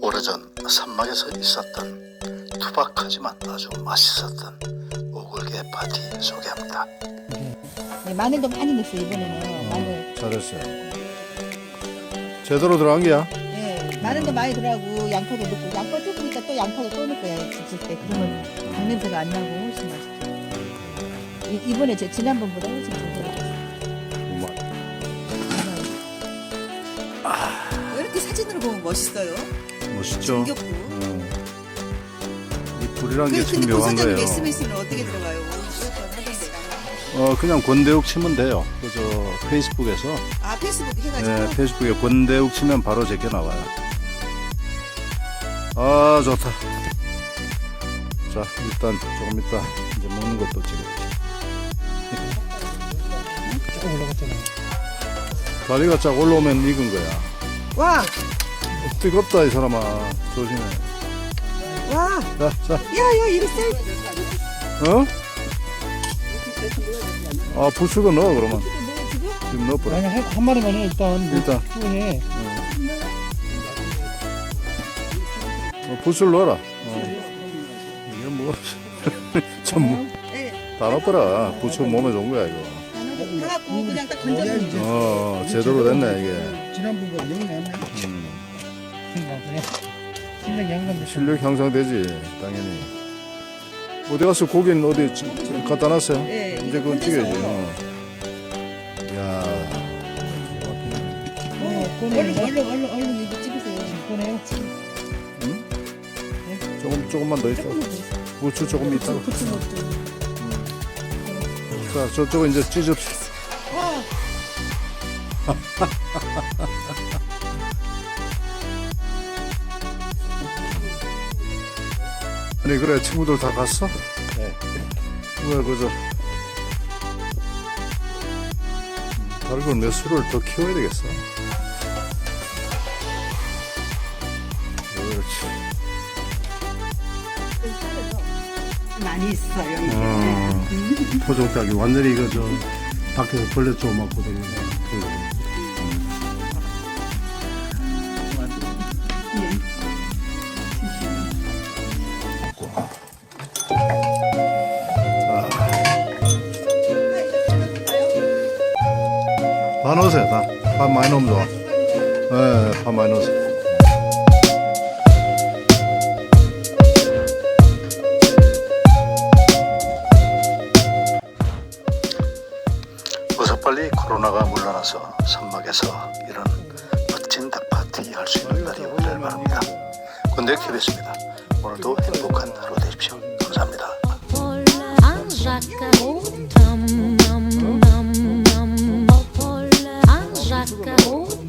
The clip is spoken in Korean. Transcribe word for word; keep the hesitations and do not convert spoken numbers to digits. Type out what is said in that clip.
오래전 산막에서 있었던 투박하지만 아주 맛있었던 오골계 파티 소개합니다. 네, 마늘도 많이 넣었어요 이번에는. 마늘. 잘했어요. 제대로 들어간 게야? 네, 마늘도 많이 들어가고 양파도 넣고, 양파 조금 있다 또 양파도 또 넣을 거예요 지질 때. 그러면 닭 냄새가 안 나고 훨씬 맛있죠. 이, 이번에 제 지난번보다 훨씬 잘 들어갔어요. 아, 이렇게 사진으로 보면 멋있어요. 멋있죠? 정겹고. 음. 이 불이란 게 참 근데 묘한 고사장님 거예요. 말씀하시면 어떻게 들어가요? 하던데. 어, 그냥 권대욱 치면 돼요. 그저 페이스북에서. 아 페이스북 해가지고. 네, 페이스북에 권대욱 치면 바로 제게 나와요. 아, 좋다. 자, 일단 조금 이따 이제 먹는 것도 찍어야지. 조금 올라갔잖아. 다리가 쫙 올라오면 익은 거야. 와, 뜨겁다 이 사람아. 조심해. 와, 자, 자. 야야 이거 셀. 어? 아, 부추도 넣어 그러면. 지금 넣어버려. 아니 한, 한 마리만 해 일단. 일단. 해. 어, 부추를 넣어라. 어. 이게 뭐, 참, 네. 다 넣어버려. 부추 몸에 좋은 거야, 이거. 해갖고 그냥 딱 건져서. 어, 제대로 됐네, 이게. 지난번보다 영이 나네. 음, 나중에 실력 양감 실력 향상되지, 당연히. 어디 가서 고기는 어디 지- 지- 갖다 놨어요? 네, 이제 그건 건져서. 찍어야지. 어. 야, 어, 얼른 꺼내. 얼른 얼른 얼른 이거 찍으세요. 꺼내요. 조금, 조금만 더 있다. 부추 조금 있다가. 부추 넣고. 자, 저쪽은 이제 찢읍시다. 와, 아니, 그래, 친구들 다 갔어? 네. 왜, 그저. 달걀 몇 수를 더 키워야 되겠어. 그렇지. 많이 있어요. 음. 포종닭이 완전히 이거 저 밖에서 벌레 좀 맞고 되는 다 넣으세요, 다. 밥 많이 넣으면 좋아. 네, 밥 많이 넣으세요. 어서 빨리 코로나가 물러나서 산막에서 이런 멋진 닭파티 할 수 있는 날이 오기를 바랍니다. 권대 케이비에스입니다. 오늘도 행복한 하루 되십시오. 감사합니다. Un jacaré, tum, num, num, num, un jacaré.